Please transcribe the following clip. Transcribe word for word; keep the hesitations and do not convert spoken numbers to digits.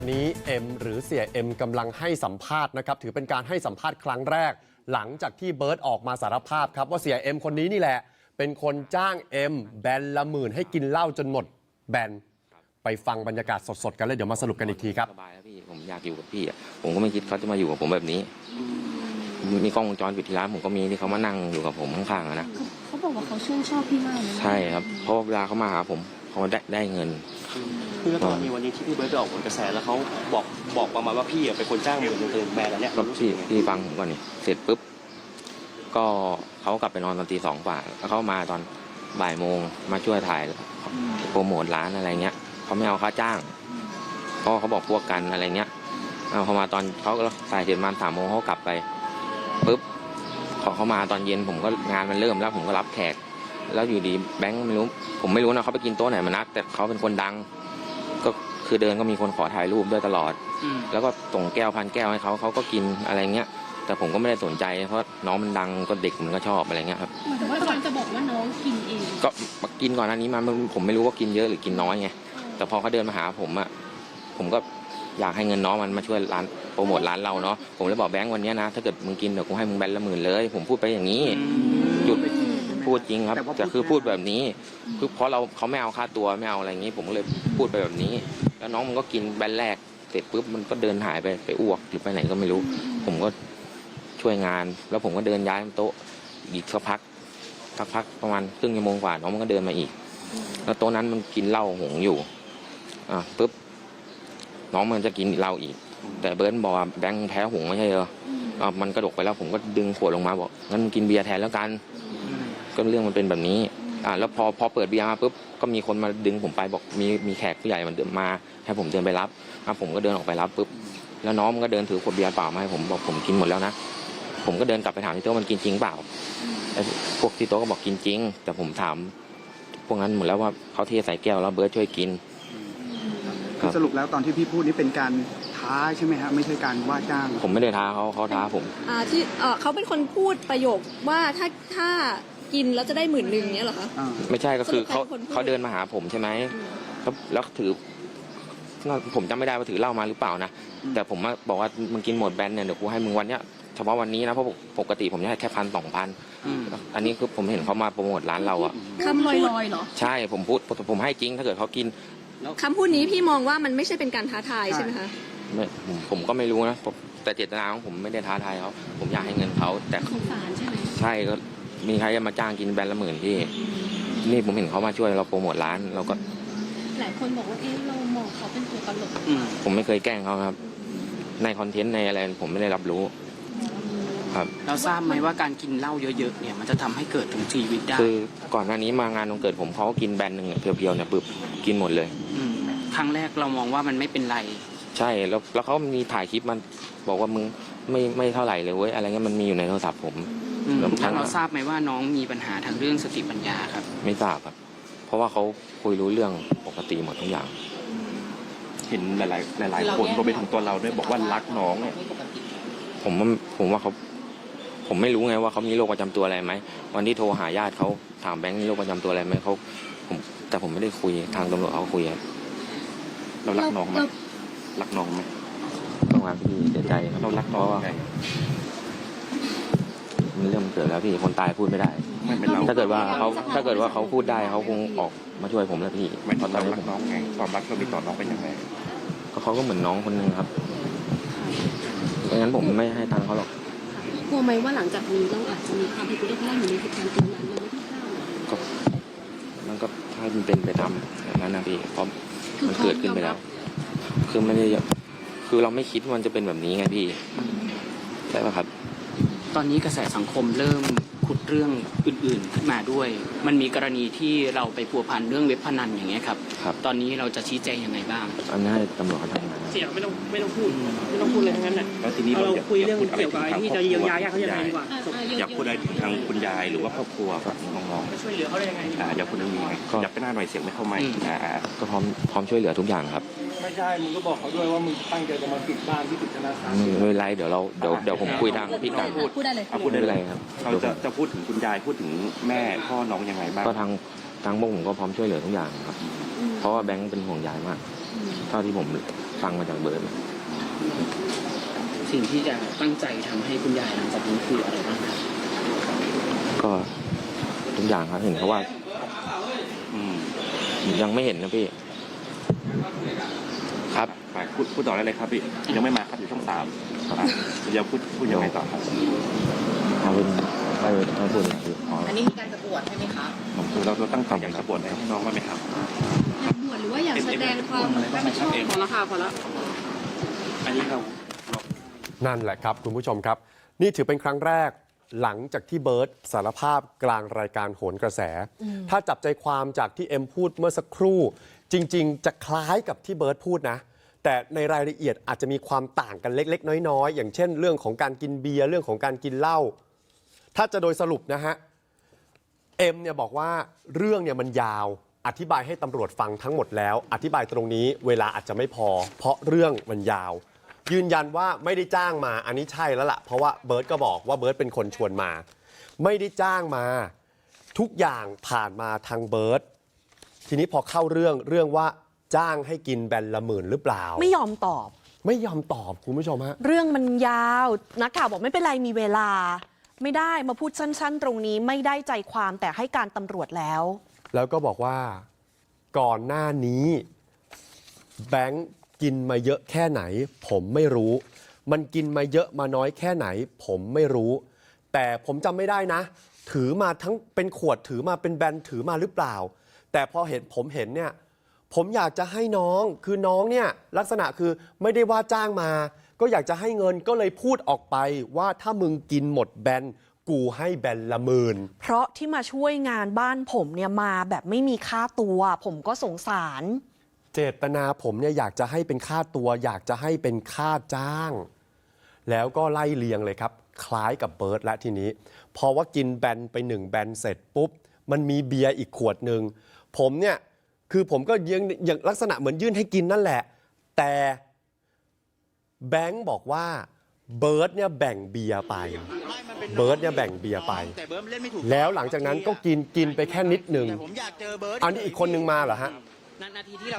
นี้เอ็มหรือเสียเอ็มกำลังให้สัมภาษณ์นะครับถือเป็นการให้สัมภาษณ์ครั้งแรกหลังจากที่เบิร์ตออกมาสารภาพครับว่าเสียเอ็มคนนี้นี่แหละเป็นคนจ้างเอ็มแบนละหมื่นให้กินเหล้าจนหมดแบนไปฟังบรรยากาศสดๆกันเลยเดี๋ยวมาสรุปกันอีกทีครับสบายแล้วพี่ผมอยากอยู่กับพี่อ่ะผมก็ไม่คิดเขาจะมาอยู่กับผมแบบนี้มีกล้องวงจรปิดที่ร้านผมก็มีที่เขามานั่งอยู่กับผมข้างๆนะเขาบอกว่าเขาชื่นชอบพี่มากเลยใช่ครับเพราะเวลาเขามาหาผมเขาได้ได้เงินคือตอนนี้วันนี้ที่พี่เบิร์ตไปออกผลกระแสแล้วเขาบอกบอกประมาณว่าพี่เป็นคนจ้างหมื่นเงินแบนแล้วเนี่ยก็พี่พี่ฟังผมก่อนนี่เสร็จปุ๊บก็เขากลับไปนอนตอนตีสองกว่าแล้วเขามาตอนบ่ายโมงมาช่วยถ่ายโปรโมทร้านอะไรเงี้ยเขาไม่เอาค่าจ้างเพราะเขาบอกพวกกันอะไรเงี้ยเอาเขามาตอนเขาถ่ายเสร็จมาสามโมงเขากลับไปปุ๊บพอเขามาตอนเย็นผมก็งานมันเริ่มแล้วผมก็รับแขกแล้วอยู่ดีแบงค์ไม่รู้ผมไม่รู้นะเขาไปกินโต๊ะไหนมานักแต่เขาเป็นคนดังก็คือเดินก็มีคนขอถ่ายรูปด้วยตลอดแล้วก็ส่งแก้วพันแก้วให้เขาเขาก็กินอะไรเงี้ยแต่ผมก็ไม่ได้สนใจเพราะน้องมันดังก็เด็กมันก็ชอบอะไรเงี้ยครับแต่ว่าก่อนจะบอกว่าน้องกินเองก็กินก่อนหน้านี้มาผมไม่รู้ว่ากินเยอะหรือกินน้อยไงแต่พอเขาเดินมาหาผมอ่ะผมก็อยากให้เงินน้องมันมาช่วยร้านโปรโมทร้านเราเนาะผมเลยบอกแบงค์วันนี้นะถ้าเกิดมึงกินเดี๋ยวกูให้มึงแบนละหมื่นเลยผมพูดไปอย่างนี้จุดพูดจริงครับแต่คือพูดแบบนี้คือเพราะเราเขาไม่เอาค่าตัวไม่เอาอะไรอย่างนี้ผมก็เลยพูดไปแบบนี้แล้วน้องมันก็กินแบนแรกเสร็จปุ๊บมันก็เดินหายไปไปอ้วกหรือไปไหนก็ไม่รู้ผมก็ช่วยงานแล้วผมก็เดินย้ายโต๊ะอีกสักพักสักพักประมาณครึ่งชั่วโมงกว่าน้องมันก็เดินมาอีกแล้วโต๊ะนั้นมันกินเหล้าหงอยู่อ่ะปุ๊บน้องมันจะกินเหล้าอีกแต่เบิร์ตบอกว่าแบงค์แพ้หงไม่ใช่เหรออ่ะมันกระดกไปแล้วผมก็ดึงขวดลงมาบอกงั้นมึงกินเบียร์แทนแล้วกันก็เรื่องมันเป็นแบบนี้อ่ะแล้วพอพอเปิดเบียร์มาปุ๊บก็มีคนมาดึงผมไปบอกมีมีแขกผู้ใหญ่มันเดินมาให้ผมเดินไปรับอ่ะผมก็เดินออกไปรับปุ๊บแล้วน้องมันก็เดินถือขวดเบียร์เปล่ามาให้ผมบอกผมกินหมดแล้วนะผมก็เดินกลับไปถามที่โต๊ะมันกินจริงเปล่าไอ้พวกที่โต๊ะก็บอกกินจริงแต่ผมถามพวกนั้นหมดแล้วว่าเขาเทใส่แก้วแล้วเบิร์ตช่วยกินสรุปแล้วตอนที่พี่พูดนี่เป็นการท้าใช่ไหมฮะไม่ใช่การว่าจ้างผมไม่ได้ท้าเขาเขาท้าผมอ่าที่เออเขาเป็นคนพูดประโยคว่าถ้าถ้ากินแล้วจะได้หมื่นหนึ่งเนี้ยเหรอคะไม่ใช่ก็คือเขาเขาเดินมาหาผมใช่ไหมแล้วแล้วถือผมจำไม่ได้ว่าถือเหล้ามาหรือเปล่านะแต่ผมบอกว่ามึงกินหมดแบนเนี่ยเดี๋ยวกูให้มึงวันเนี้ยเฉพาะวันนี้นะเพราะปกติผมให้แค่พันสองพันอันนี้คือผมเห็นเขามาโปรโมทร้านเราอะคำลอยๆเหรอใช่ผมพูดผมให้จริงถ้าเกิดเขากินคำพูดนี้พี่มองว่ามันไม่ใช่เป็นการท้าทายใช่ไหมคะไม่ผมผมก็ไม่รู้นะแต่เจตนาของผมไม่ได้ท้าทายเขาผมอยากให้เงินเขาแต่สงสารใช่ไหมใช่ก็มีใครจะมาจ้างกินแบนละหมื่นพี่นี่ผมเห็นเขามาช่วยเราโปรโมทร้านเราก็หลายคนบอกว่าเอ๊ะเรามองเขาเป็นตัวตลกผมไม่เคยแกล้งเขาครับในคอนเทนต์ในอะไรผมไม่ได้รับรู้ครับเราทราบไหมว่าการกินเหล้าเยอะๆเนี่ยมันจะทำให้เกิดถึงชีวิตได้คือก่อนหน้านี้มางานวันเกิดผมเขาก็กินแบนหนึ่งเพียวๆเนี่ยปึ๊บกินหมดเลยครั้งแรกเรามองว่ามันไม่เป็นไรใช่แล้วแล้วเขามีถ่ายคลิปมันบอกว่ามึงไม่ไม่เท่าไหร่เลยเว้ยอะไรเงี้ยมันมีอยู่ในโทรศัพท์ผมแล้วเราทราบไหมว่าน้องมีปัญหาทางเรื่องสติปัญญาครับไม่ทราบครับเพราะว่าเขาคุยรู้เรื่องปกติหมดทุกอย่างเห็นหลายๆหลายๆคนรวมไปถึงตัวเราด้วยบอกว่ารักน้องเนี่ยผมว่าผมว่าเขาผมไม่รู้ไงว่าเขามีโรคประจำตัวอะไรไหมวันที่โทรหาญาติเขาถามแบงค์มีโรคประจำตัวอะไรไหมเขาผมแต่ผมไม่ได้คุยทางตำรวจเขาคุยครับเรารักน้องไหมรักน้องไหมต้องรักพี่เสียใจเรารักน้องไงมันเรื่องมันเกิดแล้วพี่คนตายพูดไม่ได้ถ้าเกิดว่าเขาถ้าเกิดว่าเขาพูดได้เขาคงออกมาช่วยผมแล้วพี่ไม่ตอนเรารักน้องไงความรักเรามีต่อน้องเป็นยังไงก็เขาก็เหมือนน้องคนนึงครับไม่งั้นผมไม่ให้ตังค์เขาหรอกกลัวไหมว่าหลังจากนี้เราอาจจะมีความผิดพลาดได้อยู่ในเหตุการณ์ตรงนั้นเราไม่ได้ก็มันก็ถ้ามันเป็นไปตามอย่างนั้นนะพี่เพราะมันเกิดขึ้นไปแล้วคือไม่ได้คือเราไม่คิดว่ามันจะเป็นแบบนี้ไงพี่ใช่ป่ะครับตอนนี้กระแสสังคมเริ่มขุดเรื่องอื่นๆขึ้นมาด้วยมันมีกรณีที่เราไปพัวพันเรื่องเว็บพนันอย่างเงี้ยครับตอนนี้เราจะชี้แจงยังไงบ้างอันนี้ให้ตำรวจเขาทำงานเสียไม่ต้องไม่ต้องพูดไม่ต้องพูดเลยทั้งนั้นแหละแล้วทีนี้เราคุยเรื่องเกี่ยวกับที่จะเยียวยาญาติเขายังไงดีกว่าอยากพูดอะไรทางคุณยายหรือว่าครอบครัวกับน้องๆช่วยเหลือเขาได้ยังไงอยากพูดเรื่องนี้ไงอยากไปหน้าหน่อยเสียงไม่เข้าไมค์ก็พร้อมพร้อมช่วยเหลือทุกอย่างครับไม่ใช่มึงก็บอกเขาด้วยว่ามึงตั้งใจจะมาปิดบ้านที่ปิดธนาคารไม่เป็นไรเดี๋ยวเราเดี๋ยวเดี๋ยวผมคุยทางพี่การพูดพูดได้เลยพูดได้เลยครับเราจะจะพูดถึงคุณยายพูดถึงแม่พ่อน้องยังไงบ้างก็ทางทางพวกผมก็พร้อมช่วยเหลือทุกอย่างครับเพราะว่าแบงค์เป็นห่วงยายมากเท่าที่ผมฟังมาจากเบิร์ดสิ่งที่จะตั้งใจทำให้คุณยายหลังจากนี้คืออะไรบ้างครับก็ทุกอย่างครับเห็นเขาว่าอืมยังไม่เห็นนะพี่ ครับไปพูดพูดต่อได้เลยครับพี่ยังไม่มาครับอยู่ช่องสามอ่ะเดี๋ยวพูดพูดยังไงต่อครับเอาเป็นไม่ไม่พูดอย่างนี้อ๋ออันนี้มีการจะบวชใช่ไหมคะคือเราเราตั้งใจอยากจะบวชให้น้องบ้างไหมครับอยากบวชหรือว่าอยากแสดงความรับผิดชอบพอแล้วค่ะพอแล้วอันนี้เรานั่นแหละครับคุณผู้ชมครับ นี่ถือเป็นครั้งแรกหลังจากที่เบิร์ตสารภาพกลางรายการโหนกระแส ถ้าจับใจความจากที่เอ็มพูดเมื่อสักครู่ จริง ๆ จะคล้ายกับที่เบิร์ตพูดนะ แต่ในรายละเอียดอาจจะมีความต่างกันเล็ก ๆ น้อยๆ อย่างเช่นเรื่องของการกินเบียร์เรื่องของการกินเหล้าถ้าจะโดยสรุปนะฮะเอ็มเนี่ยบอกว่าเรื่องเนี่ยมันยาวอธิบายให้ตำรวจฟังทั้งหมดแล้ว อธิบายตรงนี้เวลาอาจจะไม่พอ เพราะเรื่องมันยาว ยืนยันว่าไม่ได้จ้างมาอันนี้ใช่แล้วล่ะเพราะว่าเบิร์ตก็บอกว่าเบิร์ตเป็นคนชวนมา ไม่ได้จ้างมาทุกอย่างผ่านมาทางเบิร์ตทีนี้พอเข้าเรื่องเรื่องว่าจ้างให้กินแบนละหมื่นหรือเปล่าไม่ยอมตอบไม่ยอมตอบคุณผู้ชมฮะเรื่องมันยาวนักข่าวบอกไม่เป็นไรมีเวลา ไม่ได้มาพูดสั้นๆ ตรงนี้ไม่ได้ใจความแต่ให้การตำรวจแล้วแล้วก็บอกว่าก่อนหน้านี้แบงค์กินมาเยอะแค่ไหน ผมไม่รู้ มันกินมาเยอะมาน้อยแค่ไหน ผมไม่รู้ แต่ผมจำไม่ได้นะ ถือมาทั้งเป็นขวดถือมาเป็นแบนถือมาหรือเปล่า แต่พอเห็นผมเห็นเนี่ยผมอยากจะให้น้องคือน้องเนี่ยลักษณะคือไม่ได้ว่าจ้างมา ก็อยากจะให้เงินก็เลยพูดออกไปว่าถ้ามึงกินหมดแบนกูให้แบนละหมื่นเพราะที่มาช่วยงานบ้านผมเนี่ยมาแบบไม่มีค่าตัว ผมก็สงสารเจตนาผมเนี่ยอยากจะให้เป็นค่าตัว อยากจะให้เป็นค่าจ้าง แล้วก็ไล่เลียงเลยครับ คล้ายกับเบิร์ดและทีนี้พอว่ากินแบนไปหนึ่งแบนเสร็จปุ๊บมันมีเบียร์อีกขวดหนึ่งผมเนี่ยคือผมก็ยังอย่างลักษณะเหมือนยื่นให้กินนั่นแหละ แต่แบงค์บอกว่าเบิร์ดเนี่ยแบ่งเบียร์ไปเบิร์ดเนี่ยแบ่งเบียร์ไป แล้วหลังจากนั้นก็กินกินไปแค่นิดหนึ่งอันนี้อีกคนนึงมาเหรอฮะนาทีที่เรา